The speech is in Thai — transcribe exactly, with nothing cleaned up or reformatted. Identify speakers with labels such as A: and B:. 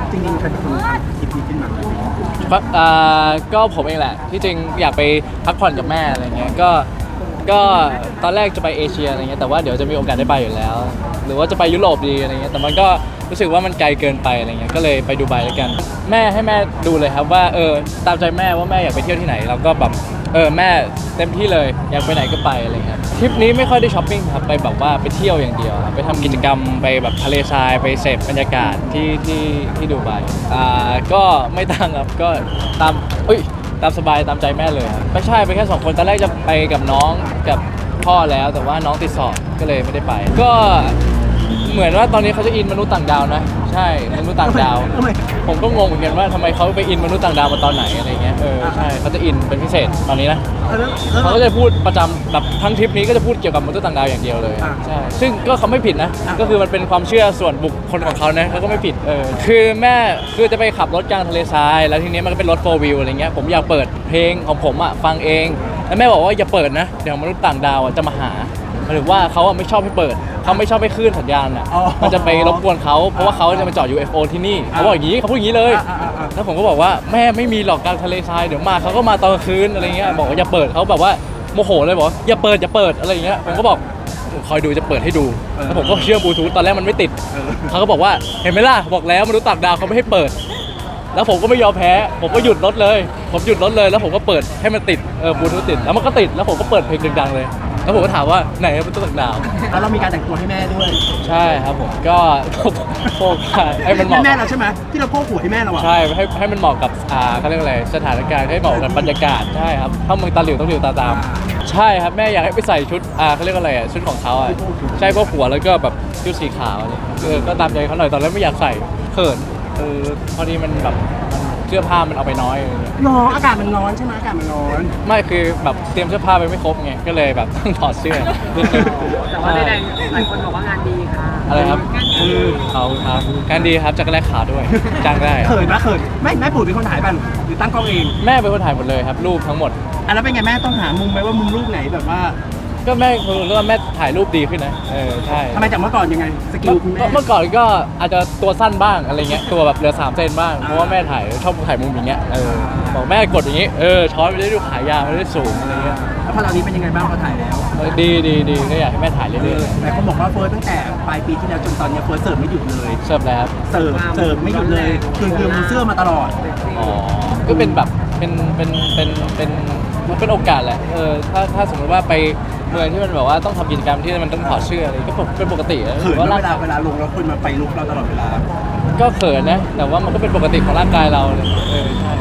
A: จริงๆใครเป็นคนคิดนี้ขึ้นมา
B: อ่าก็ผมเองแหละที่จริงอยากไปพักผ่อนกับแม่อะไรเงี้ยก็ก็ตอนแรกจะไปเอเชียอะไรเงี้ยแต่ว่าเดี๋ยวจะมีโอกาสได้ไปอยู่แล้ว หรือว่าจะไปยุโรปดีอะไรเงี้ยแต่มันก็รู้สึกว่ามันไกลเกินไปอะไรเงี้ยก็เลยไปดูไบแล้วกันแม่ให้แม่ดูเลยครับว่าเออตามใจแม่ว่าแม่อยากไปเที่ยวที่ไหนเราก็แบบเออแม่เต็มที่เลยอยากไปไหนก็ไปอะไรเงี้ยทริปนี้ไม่ค่อยได้ช้อปปิ้งครับไปแบบว่าไปเที่ยวอย่างเดียวครับไปทำกิจกรรมไปแบบทะเลทรายไปเสพบรรยากาศที่ที่ที่ดูไบอ่าก็ไม่ต่างครับก็ตามอุ้ยตามสบายตามใจแม่เลยครับไม่ใช่ไปแค่สองคนตอนแรกจะไปกับน้องกับพ่อแล้วแต่ว่าน้องติดสอบก็เลยไม่ได้ไปก็เหมือนว่าตอนนี้เขาจะอินมนุษย์ต่างดาวนะใช่มนุษย์ต่างดาวผมก็งงเหมือนกันว่าทำไมเขาไปอินมนุษย์ต่างดาวมาตอนไหนอะไรเงี้ยเออใช่เขาจะอินเป็นพิเศษตอนนี้นะเขาก็จะพูดประจำแบบทั้งทริปนี้ก็จะพูดเกี่ยวกับมนุษย์ต่างดาวอย่างเดียวเลยใช่ซึ่งก็เขาไม่ผิดนะก็คือมันเป็นความเชื่อส่วนบุคคลของเขานะเขาก็ไม่ผิดเออคือแม่คือจะไปขับรถกลางทะเลทรายแล้วทีนี้มันก็เป็นรถโฟร์วิวอะไรเงี้ยผมอยากเปิดเพลงของผมอ่ะฟังเองแล้วแม่บอกว่าอย่าเปิดนะเดี๋ยวมนุษย์ต่างดาวจะมาหาหรือว่าเขาไม่ชอบให้เปิดเขาไม่ชอบให้คลื่นสัญญาณอ่ะมันจะไปรบกวนเขาเพราะว่าเขาจะมาจอด ยู เอฟ โอ ที่นี่เขาบอกอย่างนี้เขาพูดอย่างนี้เลยแล้วผมก็บอกว่าแม่ไม่มีหรอกกลางทะเลทรายเดี๋ยวมาเขาก็มาตอนกลางคืนอะไรเงี้ยบอกว่าอย่าเปิดเขาแบบว่าโมโหเลยบอกอย่าเปิดอย่าเปิดอะไรเงี้ยผมก็บอกคอยดูจะเปิดให้ดูแล้วผมก็เชื่อมบลูทูธตอนแรกมันไม่ติดเขาก็บอกว่าเห็นไหมล่ะบอกแล้วมนุษย์ต่างดาวเขาไม่ให้เปิดแล้วผมก็ไม่ยอมแพ้ผมก็หยุดรถเลยผมหยุดรถเลยแล้วผมก็เปิดให้มันติดเออบลูทูธติดแล้วมันก็ติดแล้วผมก็เปิดเพลงดังๆเลยแล้วผมก็ถามว่าไหนเป็นตัวต่างดาว
A: แล้วเรามีการแต่งตัวให้แม่ด้วย
B: ใช่ครับผมก็โพกให้มันเหมาะ
A: แม่เราใช่ไหมที่เราโพกหัวให้แม่เราอะ
B: ใช่ให้ให้มันเหมาะกับอ่าเขาเรียกอะไรสถานการณ์ให้เหมาะกับบรรยากาศใช่ครับถ้าเมืองตาหลิวต้องหลิวตาตามใช่ครับแม่อยากให้ไปใส่ชุดอ่าเขาเรียกอะไรอ่ะชุดของเขาอ่ะใช่พวกหัวแล้วก็แบบชุดสีขาวอะไรเออก็ตามใจเขาหน่อยตอนแรกไม่อยากใส่เขินเออพอดีมันแบบเสื้อผ้ามันเอาไปน้อยอะไรเงี้ย
A: ร้อนอากาศมันร้อนใช่ไหมอากาศมันร้อน
B: ไม่คือแบบเตรียมเสื้อผ้าไปไม่ครบไงก็เลยแบบต้องถอดเสื้อ
C: แต่ว่าใดๆหลายคนบอกว่างานดีค่ะ
B: อะไรครับคือเขาครับการดีครับจักรแลกขาวด้วยจ้างได้
A: เขินนะเขินไม่แม่ปุ๋ยเป็นคนถ่ายป่ะหรือตั้งกล้องเอง
B: แม่เป็นคนถ่ายหมดเลยครับรูปทั้งหมด
A: อ่ะแล้วเป็นไงแม่ต้องหามุมไหมว่ามุมรูปไหนแบบว่า
B: ก็แม่คือรู้ว่าแม่ถ่ายรูปดีขึ้นนะเออใช่
A: ทำไมจากเมื่อก่อนยังไงสกิลคุณแม่
B: เมื่อก่อนก็อาจจะตัวสั้นบ้างอะไรเงี้ยตัวแบบเหลือสามเซนบ้างเพราะว่าแม่ถ่ายชอบถ่ายมุมอย่างเงี้ยเออบอกแม่กดอย่างงี้เออช้อนไปได้ดูขายาวไม่ได้สูงอะไรเงี้ย
A: แล้วพอเรานี้เป็นยังไงบ้างพอถ่ายแล้ว
B: ดีดีดีก็อยากให้แม่ถ่ายเรื่อย
A: ๆแต่เขาบอกว่าเฟิร์สตั้งแต่ปลายปีที่แล้วจนตอนนี้เฟิร์สเสิร์ฟไม่หยุดเลย
B: เสิร์ฟแล้ว
A: เสิร์ฟเสิร์ฟไม่หยุดเลยคือคือมือเสื้อมาตลอด
B: อ๋อก็เป็นแบบเป็นเป็นเป็นเป็นมันเป็นโอกาสแหละเออถ้าถ้าสมมติว่าไปเมืองที่มันแบบว่าต้องทำกิจกรรมที่มันต้องถอดเสื้ออะไรก็เป็นปกติ
A: เขินเวลาเวลาลงแล้วคนมาไปลุกเราตลอดเวลา
B: ก็เขินนะแต่ว่ามันก็เป็นปกติของร่างกายเราเลยเออใช่